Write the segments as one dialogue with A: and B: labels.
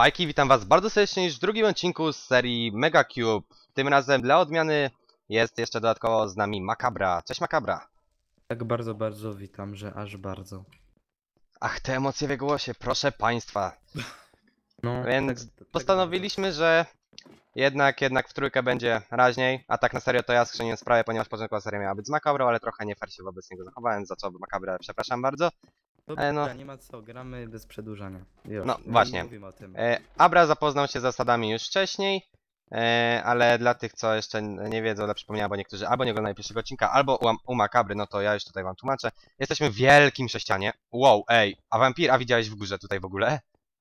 A: Spajki, witam was bardzo serdecznie już w drugim odcinku z serii Mega Cube. Tym razem dla odmiany jest jeszcze dodatkowo z nami Makabra. Cześć Makabra.
B: Tak bardzo witam, że aż bardzo.
A: Ach, te emocje w głosie, proszę państwa.
B: No,
A: Więc
B: tak
A: postanowiliśmy, że jednak w trójkę będzie raźniej. A tak na serio to ja skrzynię sprawę, ponieważ początkowa seria miała być z Makabrą, ale trochę nie fair się wobec niego zachowałem, za co Makabrę przepraszam bardzo.
B: Dobra,
A: no.
B: nie ma co, gramy bez przedłużania. Już,
A: No
B: nie
A: właśnie.
B: mówimy o tym.
A: Abra zapoznał się z zasadami już wcześniej, ale dla tych, co jeszcze nie wiedzą, dla przypomnienia, bo niektórzy albo nie oglądają pierwszego odcinka, albo u Makabry, no to ja już tutaj wam tłumaczę. Jesteśmy w wielkim sześcianie. Wow, ej, a widziałeś w górze tutaj w ogóle?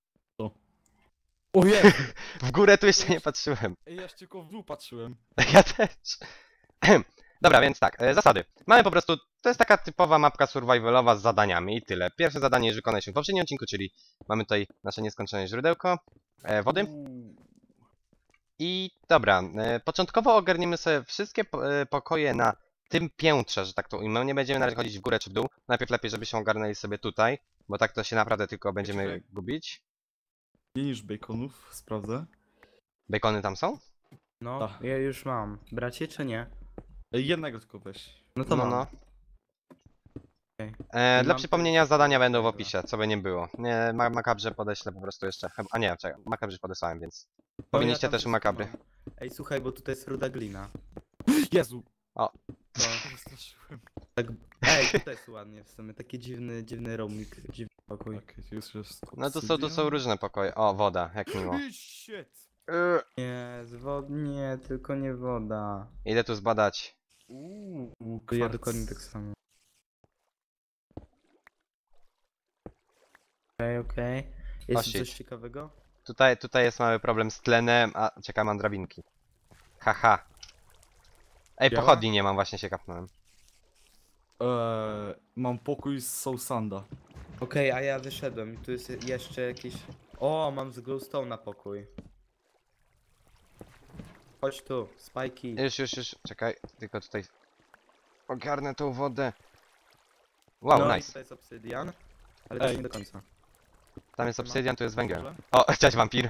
C: Ojej!
A: W górę tu jeszcze nie patrzyłem.
C: Ja tylko w dół patrzyłem.
A: Ja też. Dobra, więc tak, zasady. Mamy po prostu, to jest taka typowa mapka survivalowa z zadaniami i tyle. Pierwsze zadanie już wykonaliśmy w poprzednim odcinku, czyli mamy tutaj nasze nieskończone źródełko wody. I dobra, początkowo ogarniemy sobie wszystkie pokoje na tym piętrze, że tak to ujmę. Nie będziemy na razie chodzić w górę czy w dół. Najpierw lepiej, żebyśmy ogarnęli sobie tutaj, bo tak to się naprawdę tylko będziemy gubić.
C: Mniej niż baconów, sprawdzę.
A: Bacony tam są?
B: No,
C: Tak.
B: ja już mam. Bracie czy nie?
C: Jednego tylko weź.
B: No to mam.
A: No.
B: Okej.
A: Dla
B: Mam
A: przypomnienia
B: też
A: zadania będą w
B: tego.
A: opisie, co by nie było. Nie, Makabrze podeślę po prostu jeszcze. A nie, czekaj, Makabrze podesłałem, więc powinniście
B: tam
A: też u
B: wszystko
A: Makabry.
B: mam. Ej, słuchaj, bo tutaj jest ruda glina.
C: Jezu!
A: O.
B: To,
C: Wystraszyłem.
B: tak, ej, tutaj jest ładnie w sumie, taki dziwny roaming, dziwny pokój.
C: Okej, już jest.
A: No to są różne pokoje. O, woda, jak miło.
C: Shit!
B: Nie, nie, tylko nie woda.
A: Idę tu zbadać.
B: To ja dokładnie tak samo. Okej. Jest
A: shit.
B: coś ciekawego?
A: Tutaj jest mały problem z tlenem, a czekam, mam drabinki. Haha. Ej,
B: Działa?
A: pochodni nie mam, właśnie się kapnąłem.
C: Mam pokój z Sousanda.
B: Okej, a ja wyszedłem i tu jest jeszcze jakiś... O, mam z glowstone na pokój. Chodź tu, spajki.
A: Już, czekaj, tylko tutaj ogarnę tą wodę. Wow,
B: No i
A: nice.
B: tutaj jest obsydian, ale też
C: Ej.
B: nie do końca.
A: Tam jest obsydian, tu jest węgiel.
C: Dobrze.
A: O, cześć wampir.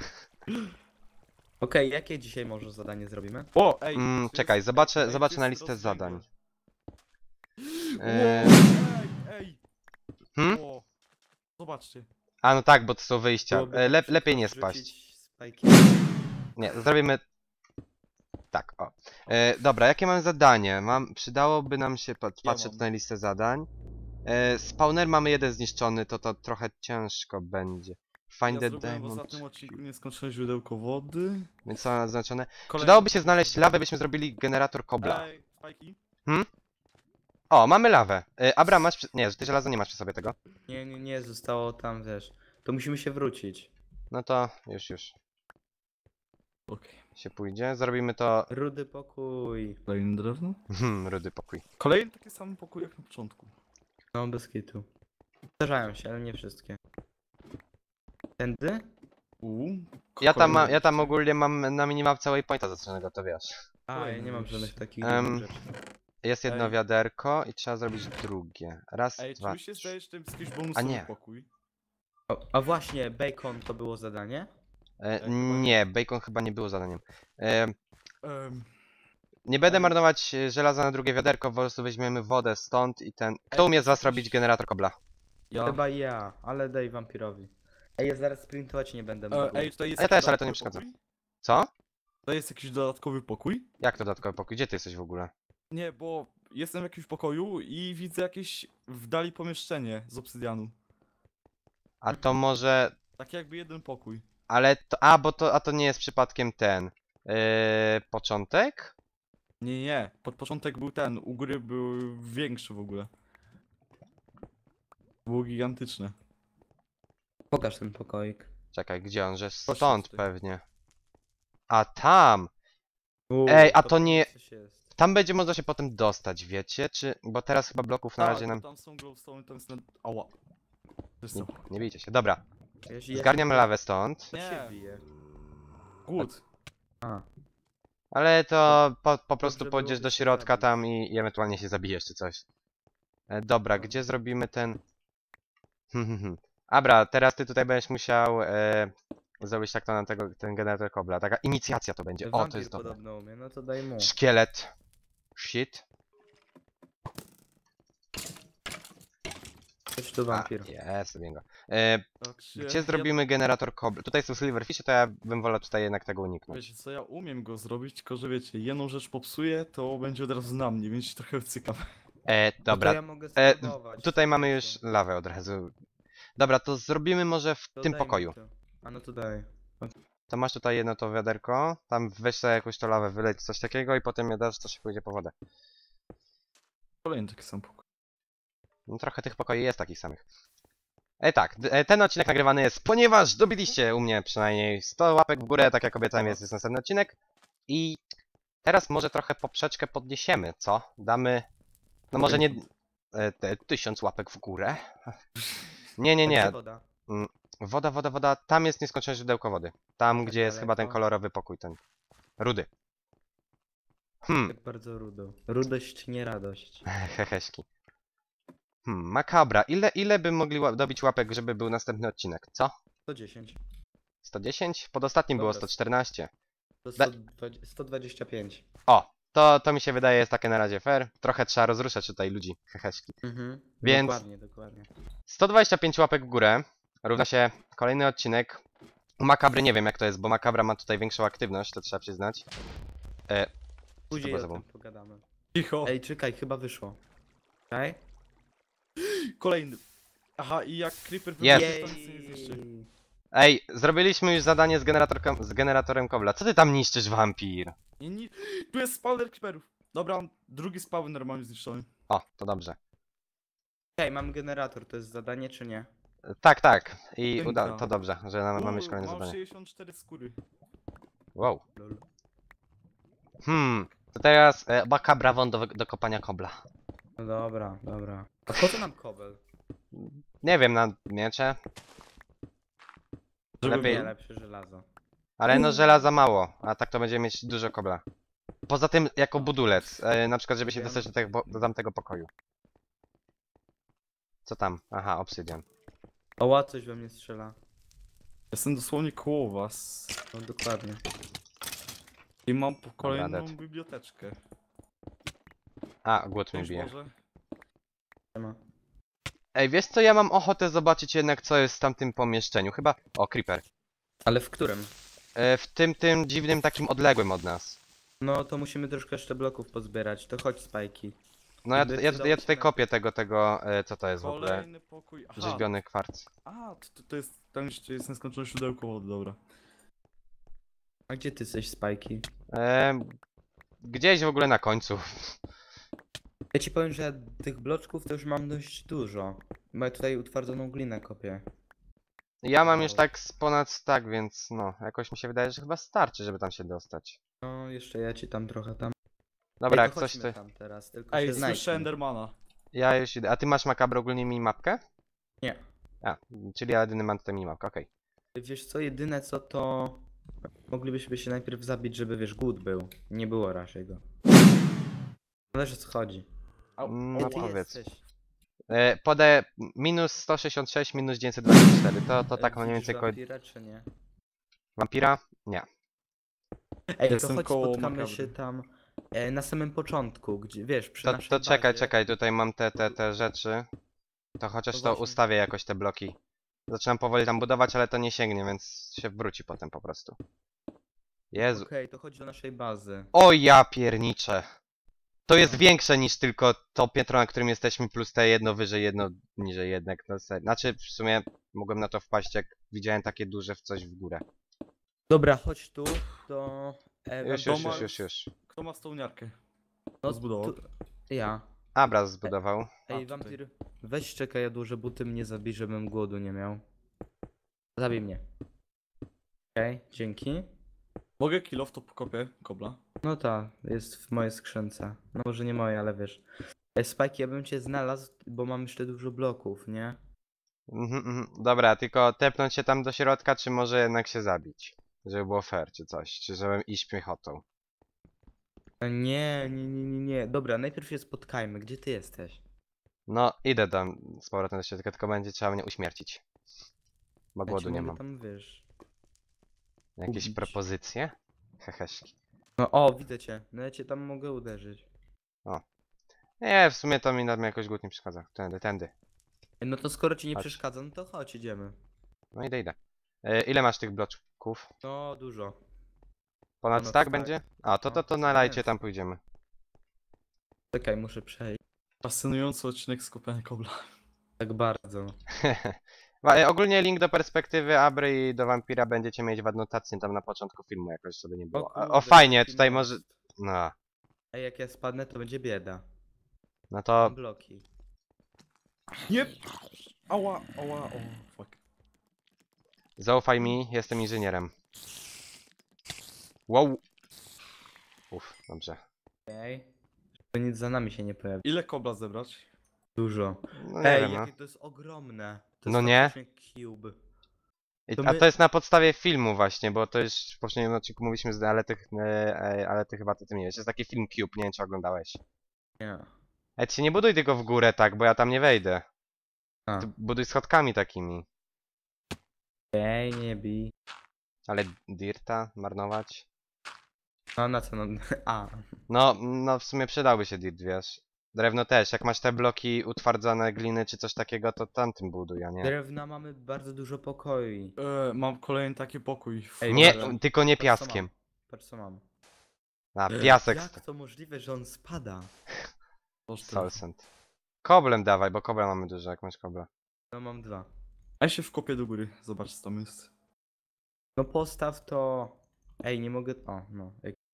B: Okej, jakie dzisiaj może zadanie zrobimy?
C: O, ej!
A: Czekaj,
C: ej,
A: zobaczę
C: tu
A: na
C: jest
A: listę zadań.
C: Wow, ej!
A: Hmm?
C: O, zobaczcie.
A: A no tak, bo to są wyjścia.
B: Byłoby tak
A: Lepiej nie
B: szybko
A: spaść.
B: wrzucić spajki.
A: Nie, zrobimy... Tak, o. Dobra, jakie mam zadanie? Przydałoby nam się... Patrzę
C: mam.
A: tutaj na listę zadań. Spawner mamy jeden zniszczony, to trochę ciężko będzie. Find
C: Ja
A: the
C: zrobiłem w
A: diamond.
C: ostatnim odcinku nieskończone źródełko wody.
A: Więc co mam zaznaczone?
C: Kolejny-
A: Przydałoby się znaleźć lawę, byśmy zrobili generator kobla.
C: Ej, spajki.
A: O, mamy lawę. Abra, masz... Nie, ty żelazo nie masz przy sobie tego.
B: Nie, zostało tam, wiesz. To musimy się wrócić.
A: No to już
C: Okej.
A: się pójdzie. Zrobimy to...
B: Rudy pokój.
C: Kolejne drewno.
A: Rudy pokój.
C: Kolejny taki sam pokój jak na początku.
B: No, bez kitu. Zdarzają się, ale nie wszystkie. Tędy?
A: Ja tam ogólnie mam na minimapce waypointa zaznaczonego, to wiesz.
B: A, ja nie mam żadnych takich rzeczy.
A: Jest jedno
C: Ej.
A: wiaderko i trzeba zrobić drugie. Raz,
C: Ej, czy
A: dwa,
C: mi się zdaje, że to jest jakiś
A: A
C: bonusowy
A: nie.
C: pokój?
B: A właśnie, bacon to było zadanie?
A: E,
C: chyba
A: nie, bacon chyba nie było zadaniem.
C: Em,
A: Nie będę
C: Ale-
A: marnować żelaza na drugie wiaderko, po prostu weźmiemy wodę stąd i ten... Kto umie z was robić generator kobla?
C: ja.
B: Chyba ja, ale daj wampirowi. Ej, ja zaraz sprintować nie będę mógł.
C: Ej, tutaj jest
A: Ja
C: jakiś
A: też, ale to nie
C: dodatkowy
A: przeszkadza.
C: pokój?
A: Co?
C: To jest jakiś dodatkowy pokój?
A: Jak to dodatkowy pokój? Gdzie ty jesteś w ogóle?
C: Nie, bo jestem w jakimś pokoju i widzę jakieś w dali pomieszczenie z obsydianu.
A: A to może...
C: Tak jakby jeden pokój.
A: Ale to... A to nie jest przypadkiem ten... początek?
C: Nie. Pod początek był ten, u góry był większy w ogóle. Było gigantyczne.
B: Pokaż ten pokoik.
A: Czekaj, gdzie on? Że
C: Proszę
A: stąd
C: tutaj.
A: pewnie. A tam! Ej, a to
B: pewnie
A: nie-
B: coś jest.
A: Tam będzie można się potem dostać, wiecie? Czy... Bo teraz chyba bloków na
C: Tak,
A: razie
C: bo
A: nam...
C: tam są glowstone, tam jest na... Ała. Wiesz co?
A: Nie bijcie się. Dobra,
B: Ja się-
A: zgarniam lawę stąd.
B: Ja się
C: Nie.
B: biję.
C: Głód.
B: A,
A: Ale to po prostu
B: Dobrze
A: pójdziesz
B: byłoby
A: do
B: się
A: środka
B: zabić.
A: tam i ewentualnie się zabijesz czy coś. Dobra, gdzie zrobimy ten... Abra, teraz ty tutaj będziesz musiał zrobić tak to na ten generator kobla. Taka inicjacja to będzie. O, to
B: Wampir
A: jest dobre.
B: podobno umie, no to daj mu.
A: Szkielet. Shit.
B: Chodź tu wampir.
A: Jest, zrobiłem go.
C: Patrzcie,
A: Gdzie zrobimy generator kobla? Tutaj są silverfishy, to ja bym wolał tutaj jednak tego uniknąć.
C: Wiecie co, ja umiem go zrobić, tylko że wiecie, jedną rzecz popsuję, to będzie od razu na mnie, więc się trochę wcykam.
B: No to
A: Dobra.
B: ja mogę
A: E,
B: spróbować.
A: Tutaj mamy już lawę od razu. Dobra, to zrobimy może w
B: To
A: tym
B: daj mi
A: pokoju.
B: to. A no to daj.
A: To masz tutaj jedno to wiaderko, tam weź sobie jakąś to lawę, wyleć coś takiego i potem je dasz, to się pójdzie po wodę.
C: Kolejny taki sam pokój.
A: No trochę tych pokoi jest takich samych. Tak, ten odcinek nagrywany jest, ponieważ dobiliście u mnie przynajmniej 100 łapek w górę, tak jak obiecałem, jest następny odcinek. I teraz może trochę poprzeczkę podniesiemy, co? Damy, no może nie 1000 łapek w górę. Nie, nie,
B: A
A: nie.
B: gdzie woda?
A: Woda, tam jest nieskończone źródełko wody. Tam,
B: Tak
A: gdzie jest chyba ten
B: daleko.
A: kolorowy pokój, ten rudy.
B: Tak bardzo rudo. Rudość, nie radość.
A: Heheśki. Makabra. Ile by mogli dobić łapek, żeby był następny odcinek, co?
B: 110.
A: 110? Pod ostatnim było
B: Dobra.
A: 114.
B: To
A: Da-
B: 125.
A: O, to mi się wydaje jest takie na razie fair. Trochę trzeba rozruszać tutaj ludzi, heheśki.
B: Mhm.
A: Więc-
B: Dokładnie, dokładnie.
A: 125 łapek w górę równa się kolejny odcinek. U Makabry nie wiem jak to jest, bo Makabra ma tutaj większą aktywność, to trzeba przyznać.
B: Później
A: było
B: o
A: za
B: tym pogadamy.
C: Cicho!
B: Ej, czekaj, chyba wyszło. Czekaj.
C: Kolejny! Aha, i jak creeper
A: Jest.
C: wybuchnie, to nic nie zniszczy.
A: Ej, zrobiliśmy już zadanie z generatorem kobla. Co ty tam niszczysz, wampir?
C: Nie. Tu jest spawner creeperów! Dobra, drugi spawner normalnie zniszczony.
A: O, to dobrze.
B: Okej, mam generator, to jest zadanie czy nie?
A: Tak. I
C: Tynka.
A: to dobrze, że mamy już kolejne
C: mam
A: zadanie.
C: 64 skóry.
A: Wow.
B: Lol.
A: To teraz Makabra won do kopania kobla.
B: No dobra, dobra. A po co nam kobel?
A: Nie wiem, na miecze.
C: Żeby
A: Lepiej.
B: Nie,
C: był.
B: lepsze żelazo.
A: Ale no żelaza mało, a tak to będziemy mieć dużo kobla. Poza tym jako budulec, na przykład żeby się
B: Wiem.
A: dostać do tamtego pokoju. Co tam? Aha, obsydian.
B: Oła, coś we mnie strzela.
C: Jestem dosłownie koło was.
B: No dokładnie.
C: I mam kolejną
A: dead.
C: biblioteczkę.
A: A, głód mnie
C: Już
A: bije.
C: może?
B: Nie ma.
A: Ej, wiesz co, ja mam ochotę zobaczyć jednak co jest w tamtym pomieszczeniu. Chyba... O, creeper.
B: Ale w którym?
A: W tym dziwnym takim odległym od nas.
B: No to musimy troszkę jeszcze bloków pozbierać. To chodź spajki.
A: No ja tutaj
B: Zdecydować
A: kopię tego, co to jest w ogóle.
C: Kolejny pokój. Aha,
A: Rzeźbiony kwarc.
C: to jest. Tam jeszcze jest nieskończone źródełko wody, dobra.
B: A gdzie ty jesteś spajki?
A: Gdzieś w ogóle na końcu.
B: Ja ci powiem, że ja tych bloczków to już mam dość dużo. Bo ja tutaj utwardzoną glinę kopię.
A: Ja mam już tak z ponad stack, więc no, jakoś mi się wydaje, że chyba starczy, żeby tam się dostać.
B: No, jeszcze ja ci tam trochę tam.
A: Dobra,
B: Ej,
A: jak
B: to
A: coś
B: chodźmy
A: ty...
B: tam teraz, tylko
C: Ej,
B: się
C: słyszę
B: znajdźmy.
C: Endermana.
A: Ja już idę. A ty masz Makabro ogólnie minimapkę?
B: Nie.
A: A, czyli ja jedyny mam tutaj minimapkę, okej.
B: Wiesz co, jedyne co to... Moglibyśmy się najpierw zabić, żeby wiesz, głód był. Nie było raczej go. Zależy o co chodzi.
A: No
B: Ej, ty
A: powiedz.
B: jesteś.
A: Podaję minus 166, minus 924. To tak
B: Ej,
A: mniej więcej
B: widzisz
A: koło...
B: wampira, czy nie?
A: Wampira? Nie.
B: Ej, to
C: Jestem
B: chodź
C: koło
B: spotkamy
C: makabry.
B: się tam na samym początku, gdzie wiesz, przy
A: To
B: naszej
A: czekaj,
B: bazie.
A: czekaj, tutaj mam te rzeczy. To chociaż
B: To
A: to
B: właśnie.
A: ustawię jakoś te bloki. Zaczynam powoli tam budować, ale to nie sięgnie, więc się wróci potem po prostu. Jezu.
B: Okej, to chodź do naszej bazy.
A: O ja pierniczę. To jest większe niż tylko to piętro, na którym jesteśmy, plus te jedno wyżej, jedno niżej jednak. No, znaczy w sumie mogłem na to wpaść, jak widziałem takie duże w coś w górę.
B: Dobra, chodź tu do...
A: Już.
C: Kto ma stołniarkę?
B: No,
C: Zbudował.
B: Ja.
A: Abraz zbudował.
B: Ej,
C: tutaj.
B: wampir, weź czekaj, ja duże buty mnie zabij, żebym głodu nie miał. Zabij mnie. Okej, dzięki.
C: Mogę kill off to pokopię kobla.
B: No ta, jest w mojej skrzynce. No może nie moje, ale wiesz. Spike, ja bym cię znalazł, bo mam jeszcze dużo bloków, nie?
A: Dobra, tylko tepnąć się tam do środka, czy może jednak się zabić? Żeby było fair, czy coś, czy żebym iść piechotą.
B: Nie. Dobra, najpierw się spotkajmy. Gdzie ty jesteś?
A: No, idę tam z powrotem do środka, tylko będzie trzeba mnie uśmiercić. Bo
B: Ja
A: głodu
B: ci
A: nie
B: mogę
A: mam.
B: tam, wiesz...
A: Jakieś
B: Ubić.
A: propozycje? Heheszki.
B: No o, widzę cię. No ja cię tam mogę uderzyć.
A: Nie, w sumie to mi jakoś głód nie przeszkadza. Tędy.
B: No to skoro ci nie
A: Chodź.
B: przeszkadza, no to chodź, idziemy.
A: No idę. Ile masz tych bloczków?
B: No dużo.
A: Ponad
B: Ponad
A: stack
B: stack.
A: będzie? A, to
B: No,
A: na lajcie
B: jest.
A: tam pójdziemy.
B: Czekaj, muszę przejść.
C: Fascynujący odcinek z kopania kobla.
B: Tak bardzo.
A: Ogólnie link do perspektywy Abry i do Vampira będziecie mieć w adnotacji tam na początku filmu, jakoś sobie nie było. O
B: kurde,
A: fajnie,
B: jaki
A: tutaj
B: most.
A: może... No,
B: Ej, jak ja spadnę, to będzie bieda.
A: no to
B: Mam bloki.
C: Nie! Ała, o, fuck.
A: zaufaj mi, jestem inżynierem. Wow. Uff, dobrze.
B: Okej. Żeby nic za nami się nie pojawi.
C: Ile kobla zebrać?
B: Dużo.
A: No nie
B: Ej,
A: wiem, no.
B: jakie to jest ogromne. To
A: No
B: jest
A: nie?
B: faktycznie cube.
A: A
B: my-
A: to jest na podstawie filmu właśnie, bo to już w poprzednim odcinku mówiliśmy, ale ty chyba to ty nie wiesz. Jest taki film Cube, nie wiem czy oglądałeś.
B: Nie.
A: Ej, ty się nie buduj tylko w górę tak, bo ja tam nie wejdę.
B: A.
A: Ty buduj schodkami takimi.
B: Ej, nie bij.
A: Ale dirta marnować?
B: No na co? No, a.
A: No w sumie przydałby się dirt, wiesz. Drewno też, jak masz te bloki utwardzone gliny czy coś takiego, to tamtym buduj, a nie.
B: Drewna mamy bardzo dużo pokoi.
C: Mam kolejny taki pokój.
B: Ej,
A: Nie,
B: dobra.
A: tylko nie
B: Patrz, co
A: piaskiem.
B: mam. Patrz co mam.
A: A, piasek.
B: Jak to możliwe, że on spada?
A: Solsent. Koblem dawaj, bo kobla mamy dużo, jak masz kobla.
B: No mam 2.
C: A ja się wkopię do góry, zobacz co tam jest.
B: No postaw to... Ej, nie mogę... O, no.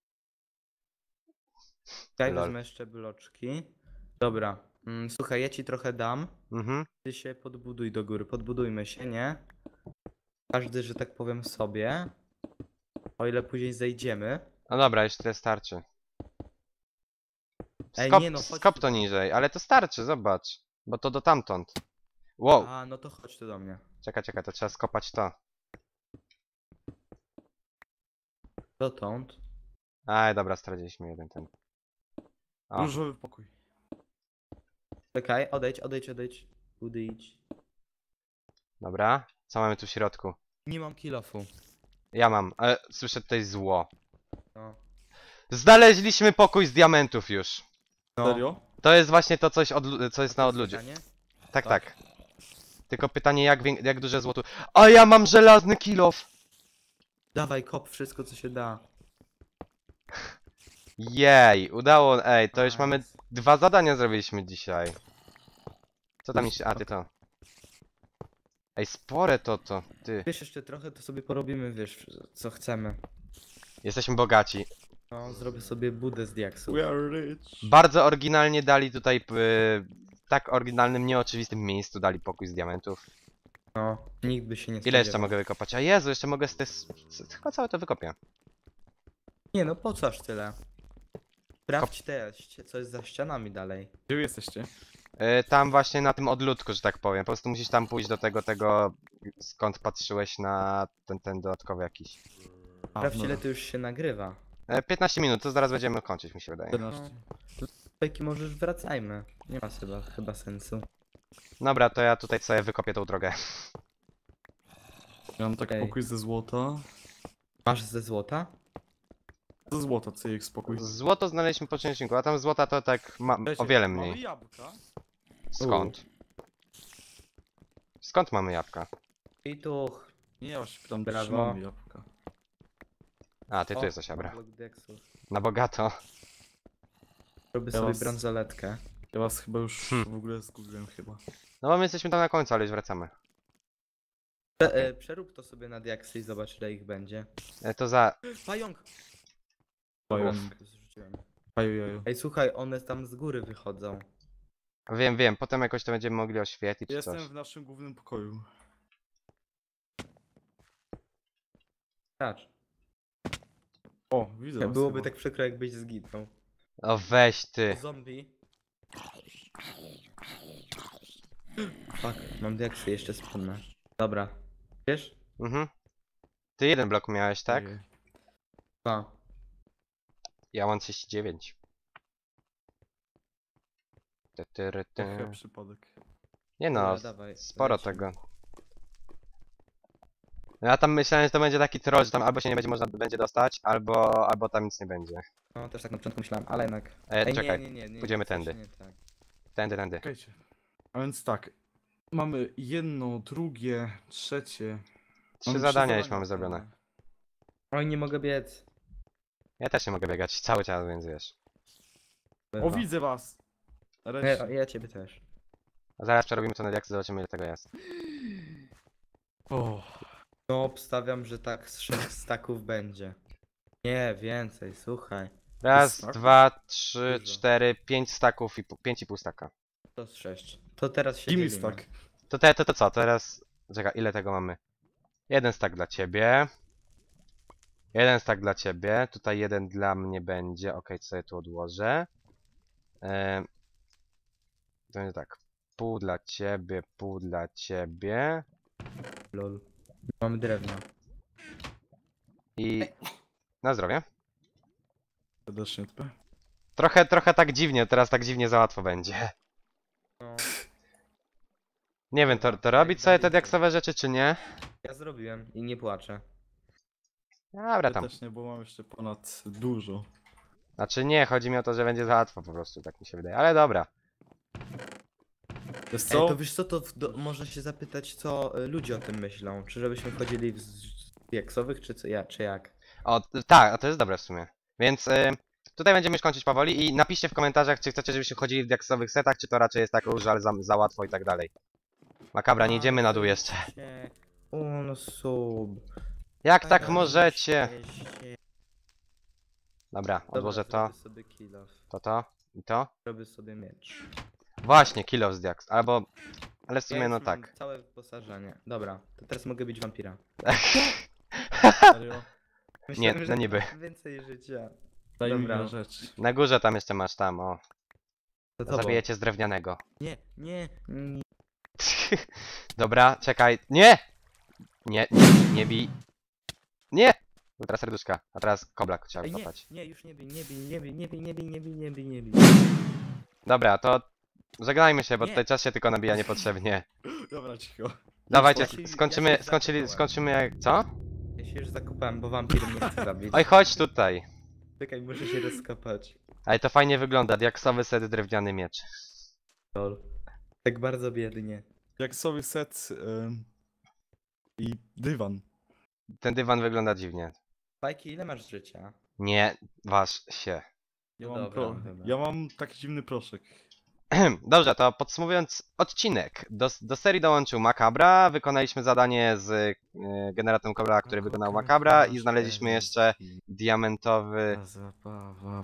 B: Ja
A: Lol.
B: wezmę jeszcze bloczki. Dobra. Słuchaj, ja ci trochę dam.
A: Mhm.
B: Ty się podbuduj do góry. Podbudujmy się, nie? Każdy, że tak powiem, sobie. O ile później zejdziemy.
A: No dobra, już tyle starczy.
B: Ej,
A: Skop,
B: nie no, chodź
A: skop
B: tu.
A: to niżej, ale to starczy, zobacz. Bo to do tamtąd. Wow,
B: A, no to chodź tu do mnie.
A: czekaj, to trzeba skopać to.
B: Dotąd.
A: Aj, dobra, straciliśmy jeden ten. O,
C: Różowy pokój.
B: Czekaj, odejdź. Udejdź.
A: dobra. Co mamy tu w środku?
B: Nie mam kilofu.
A: Ja mam, ale słyszę tutaj zło.
B: No.
A: Znaleźliśmy pokój z diamentów już.
B: No.
C: Serio?
A: To jest właśnie to coś, co jest
B: A
A: na
B: to
A: odludziu.
B: pytanie?
A: Tak,
B: Tak.
A: tak. Tylko pytanie, jak duże złoto. A ja mam żelazny kilof!
B: Dawaj, kop wszystko, co się da.
A: Jej, udało, ej, to już
B: Nice.
A: mamy 2 zadania zrobiliśmy dzisiaj. Co tam jeszcze? A, ty to. Ej, spore to, ty.
B: Wiesz, jeszcze trochę, to sobie porobimy, wiesz, co chcemy.
A: Jesteśmy bogaci.
B: No, zrobię sobie budę z diaksów.
C: We are rich.
A: Bardzo oryginalnie dali tutaj, tak oryginalnym, nieoczywistym miejscu dali pokój z diamentów.
B: No, nikt by się nie
A: Ile jeszcze
B: spodziewał.
A: mogę wykopać? A Jezu, jeszcze mogę chyba całe to wykopię.
B: Nie no, po co aż tyle? Sprawdź co jest za ścianami dalej.
C: Gdzie wy jesteście?
A: Tam właśnie na tym odludku, że tak powiem. Po prostu musisz tam pójść do tego, skąd patrzyłeś na ten dodatkowy jakiś.
B: Sprawdź,
C: dobra.
B: ile to już się nagrywa.
A: 15 minut, to zaraz będziemy kończyć, mi się wydaje.
C: 14.
B: Peki, może już wracajmy. Nie ma chyba sensu.
A: Dobra, to ja tutaj sobie wykopię tą drogę.
C: Ja mam taki
B: Okej.
C: pokój ze złota.
B: Masz ze złota?
C: Ze złota, CX spokój.
A: Złoto znaleźliśmy po odcinku, a tam złota to tak o
C: Wiecie,
A: wiele
C: Mamy
A: mniej.
C: jabłka.
A: Skąd? Skąd mamy jabłka?
B: I tu.
C: Nie, ja się pytam,
B: Brawo.
C: czy mamy jabłka.
A: A, ty
B: O,
A: tu jesteś,
B: mam
A: dobra.
B: blok diaksów.
A: Na bogato.
B: Robię
C: Ja
B: sobie
C: was-
B: bransoletkę.
C: Ja was chyba już
A: Hmm.
C: w ogóle zgubiłem chyba.
A: No bo my jesteśmy tam na końcu, ale już wracamy.
B: Przerób to sobie na diaksy i zobacz, ile ich będzie.
A: To za...
B: Pająk!
C: Pająk.
B: Zrzuciłem.
C: Paju.
B: Ej, słuchaj, one tam z góry wychodzą.
A: Wiem, potem jakoś to będziemy mogli oświetlić czy
C: Jestem
A: coś.
C: w naszym głównym pokoju.
B: Patrz.
C: O, widzę was
B: Byłoby
C: chyba.
B: tak przykro, jakbyś zginął.
A: O weź ty.
B: Zombie. Fuck, mam diaksy, jeszcze spadnę. Dobra. Wiesz?
A: Mhm. Ty jeden blok miałeś, tak?
C: Ojej.
B: 2.
A: Ja mam 39.
C: To chyba przypadek.
A: Nie no,
B: Dobra, dawaj,
A: sporo
B: lecimy.
A: tego. Ja tam myślałem, że to będzie taki troll, że tam albo się nie będzie można będzie dostać, albo tam nic nie będzie.
B: No też tak na początku myślałem, ale jednak.
A: Czekaj,
B: nie,
A: pójdziemy
B: coś
A: tędy.
B: Nie, tak.
A: Tędy.
C: Czekajcie. A więc tak. Mamy jedno, drugie, trzecie.
A: Trzy
C: Mamy
A: zadania już
C: zadania
A: mamy zrobione.
C: wykonane.
B: Oj, nie mogę biec.
A: Ja też nie mogę biegać cały czas, więc wiesz.
C: O, widzę was!
B: Ja,
C: Nareszcie.
B: ja ciebie też.
A: A zaraz przerobimy to na diaksy, zobaczymy ile tego jest.
C: O,
B: No, obstawiam, że tak z 6 staków będzie. Nie, więcej, słuchaj.
A: Raz,
C: staków?
A: dwa, trzy,
B: Dużo.
A: cztery, 5 staków i 5,5 staka.
B: To z 6. To teraz się
C: gimme
B: dzielimy.
C: stack.
A: To co, teraz... Czekaj, ile tego mamy? Jeden stack dla ciebie. Jeden stack dla ciebie. Tutaj jeden dla mnie będzie. Okej, co sobie tu odłożę. To będzie tak. Pół dla ciebie, pół dla ciebie.
B: Lol. Mamy drewno.
A: I... Na zdrowie.
C: Serdecznie TP.
A: Trochę tak dziwnie, teraz tak dziwnie za łatwo będzie.
B: No,
A: Nie wiem, to robić sobie te diaksowe rzeczy, czy nie?
B: ja zrobiłem i nie płaczę.
A: Dobra,
C: Ja
A: tam.
C: też nie, bo mam jeszcze ponad dużo.
A: Znaczy nie, chodzi mi o to, że będzie za łatwo po prostu, tak mi się wydaje. Ale dobra.
C: Wiesz
B: Ej,
C: co?
B: to wiesz co, to można się zapytać, co ludzie o tym myślą. Czy żebyśmy wchodzili w diaksowych, czy co, czy jak?
A: O, tak, to jest dobre w sumie. Więc tutaj będziemy już kończyć powoli i napiszcie w komentarzach, czy chcecie, żebyśmy chodzili w diaksowych setach, czy to raczej jest tak już, ale za łatwo i tak dalej. Makabra, nie idziemy na dół jeszcze.
B: O, no sub.
A: Jak tak możecie? Dobra, odłożę to,
B: Zrobię sobie kill off.
A: to i to.
B: Robię sobie miecz.
A: Właśnie, kill of z diaks, albo... Ale w
B: Ja
A: sumie
B: już
A: no
B: mam
A: tak.
B: Całe wyposażenie. Dobra, to teraz mogę być wampira.
C: Serio?
B: Myślałem,
A: no
B: że
A: niby.
B: mam więcej życia.
C: Daj mi
B: Dobra.
C: na rzecz.
A: Na górze tam jeszcze masz, tam, o.
B: To tobą.
A: Zabijecie z drewnianego.
B: Nie.
A: Dobra, czekaj. Nie! Nie bij. Nie! Bo teraz serduszka, a teraz kobla trzeba
B: Ej,
A: kopać.
B: nie, już nie bij.
A: Dobra, to żegnajmy się, bo
B: Nie.
A: tutaj czas się tylko nabija niepotrzebnie.
C: Dobra, cicho.
A: Dawajcie,
B: Ja się
A: skończymy jak... Co?
B: Ja się już zakopałem, bo wampir mnie chce zabić.
A: Oj, chodź tutaj.
B: Czekaj, muszę się rozkopać.
A: Ale to fajnie wygląda, diaksowy set, drewniany miecz.
B: Lol. Tak bardzo biednie.
C: Jak sobie set i dywan.
A: Ten dywan wygląda dziwnie.
B: Fajki, ile masz życia?
A: Nie, waż się.
C: Ja
B: No
C: mam,
B: dobra, dobra.
C: ja mam taki dziwny proszek.
A: Dobrze, to podsumowując odcinek. Do serii dołączył Makabra, wykonaliśmy zadanie z generatorem Kobra, który wykonał Makabra i znaleźliśmy jeszcze diamentowy...
C: Zabawa.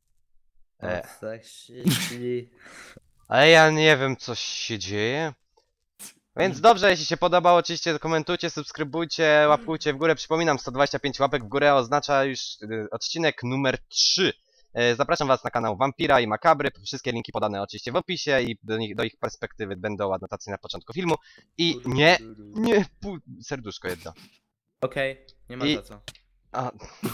A: Ale ja nie wiem, co się dzieje. Więc dobrze, jeśli się podobało, oczywiście komentujcie, subskrybujcie, łapkujcie w górę. Przypominam, 125 łapek w górę oznacza już odcinek numer 3. Zapraszam was na kanał Vampira i Makabry. Wszystkie linki podane oczywiście w opisie i do ich perspektywy będą adnotacje na początku filmu. I serduszko jedno.
B: Okej, nie ma
A: I-
B: za co.
A: A,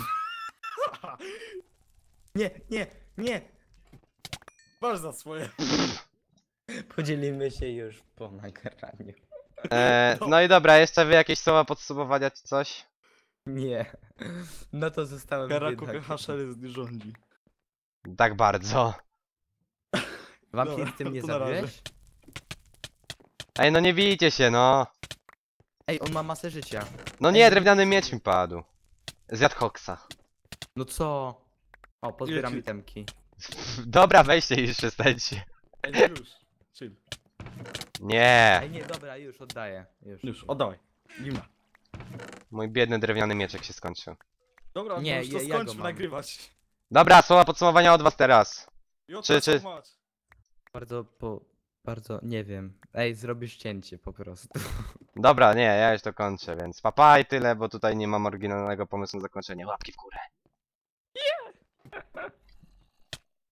B: Nie!
C: Masz za swoje.
B: Podzielimy się już po nagraniu.
A: no i dobra, jeszcze wy jakieś słowa podsumowania czy coś?
B: Nie. No to zostałem
C: Karaku
B: biedakiem.
C: Hashery rządzi.
A: Tak bardzo.
B: Wampir,
C: Dobra,
B: ty mnie
C: to na razie.
B: zabiłeś?
A: Ej, no nie bijcie się, no.
B: Ej, on ma masę życia.
A: No nie, drewniany miecz mi padł. Zjadł koksa.
B: No co? O, pozbieram
C: Ile ci-
B: itemki.
A: Dobra, weźcie i już przestańcie.
C: Ej, no już. Chill.
A: Nie.
B: Ej, nie, dobra, już oddaję.
C: Już, oddawaj. Gimna.
A: Mój biedny drewniany mieczek się skończył.
C: Dobra,
B: Nie,
C: nie, już to
B: ja go
C: skończmy
B: mam.
C: nagrywać.
A: Dobra, słowa podsumowania od was teraz. Czy-
B: Bardzo, nie wiem. Ej, zrobisz cięcie po prostu.
A: Dobra, nie, ja już to kończę, więc papa i tyle, bo tutaj nie mam oryginalnego pomysłu na zakończenie. Łapki w górę.